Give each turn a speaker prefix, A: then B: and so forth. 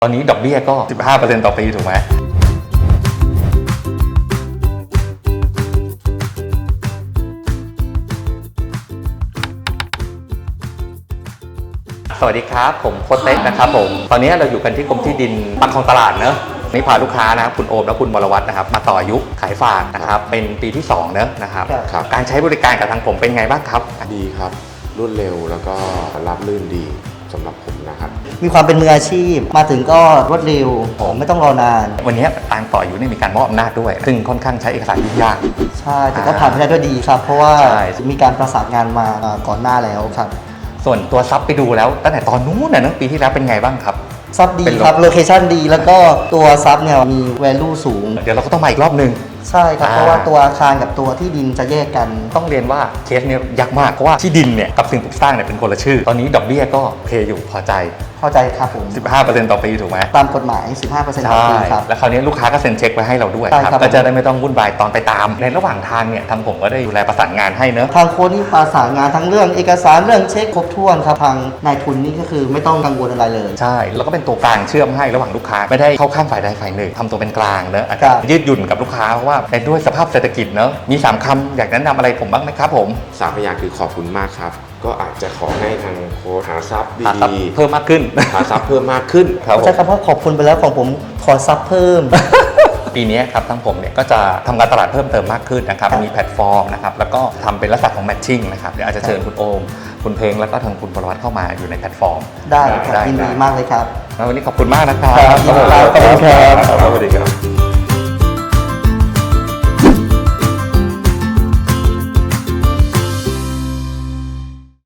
A: ตอนนี้ดอกเบี้ยก็ 15% ต่อปีถูกไหมสวัสดีครับผมโค้ชเต็กนะครับผมตอนนี้เราอยู่กันที่กรมที่ดินบางคลองตลาดเนอะนี่พาลูกค้านะครับคุณโอมและคุณวรวัฒน์นะครับมาต่ออายุขายฝากนะครับเป็นปีที่2เนอะนะครับการใช้บริการกับทางผมเป็นไงบ้างครับ
B: ดีครับรวดเร็วแล้วก็รับลื่นดีสำหรับผมนะครับ
C: มีความเป็นมืออาชีพมาถึงก็รวดเร็วไม่ต้องรอนาน
A: วันนี้ทางต่ออายุนี่มีการมอบอำนาจด้วยซึ่งค่อนข้างใช้เอกสารยุ่งยาก
C: ใช่แต่ก็ผ่านไปได้ด้วยดีครับเพราะว่ามีการประสานงานมาก่อนหน้าแล้วครับ
A: ส่วนตัวซับไปดูแล้วตั้งแต่ตอนนู้นนะปีที่แล้วเป็นไงบ้างครับ
C: ซับดีครับโลเคชั่นดีแล้วก็ตัวซับเนี่ยมี value สูง
A: เดี๋ยวเราก็ต้องมาอีกรอบนึง
C: ใช่ครับเพราะว่าตัวอาคารกับตัวที่ดินจะแยกกัน
A: ต้องเรียนว่าเคสนี้ยากมากเพราะว่าที่ดินเนี่ยกับสิ่งปลูกสร้างเนี่ยเป็นคนละชื่อตอนนี้ดอกเบี้ยก็โอเคอยู่พอใจ
C: ครับผม
A: 15% ต่อปีถูกไหม
C: ตามกฎหมาย 15% ต่อปีครับ
A: แล้วคราวนี้ลูกค้าก็เซ็นเช็คไว้ให้เราด้วยครับก็จะได้ไม่ต้องวุ่นวายตอนไปตามในระหว่างทางเนี่ยทางผมก็ได้ดูแลประสานงานให้เนอะ
C: ทางโค้ชนี่ประสานงานทั้งเรื่องเอกสารเรื่องเช็คครบถ้วนครับทางนายทุนนี่ก็คือไม่ต้องกังวลอะไรเลย
A: ใช่แล้วก็เป็นตัวกลางเชื่อมให้ระหว่างลูกค้าไม่ได้เข้าข้างฝ่ายใดฝ่ายหนึ่งทำตัวเป็นกลางเนอะยืดหยุ่นกับลูกค้าเพราะว่าด้วยสภาพเศรษฐกิจเนอะมี3คำอยากแนะนำอะไรผมบ้างไหมครับผม
B: 3 พยางค์คือขอบคุณมากครับก็อาจจะขอให้ทางโค้ชหาทรัพย์ดี
A: เพิ่มมากขึ้น
B: หาทรัพย์เพิ่มมากขึ้น
C: ใช่ครับเพราะขอบคุณไปแล้วของผมขอซับเพิ่ม
A: ปีนี้ครับทั้งผมเนี่ยก็จะทำการตลาดเพิ่มเติมมากขึ้นนะครับมีแพลตฟอร์มนะครับแล้วก็ทำเป็นลักษณะของแมทชิ่งนะครับเดี๋ยวอาจจะเชิญคุณโอมคุณเพลงแล้วก็ทางคุณปรวัตเข้ามาอยู่ในแพลตฟอร์ม
C: ได้ครับยินดีมากเลยครับ
A: วันนี้ขอบคุณมากนะครับ
C: ขอบคุณครับ
A: สวัสดีครับ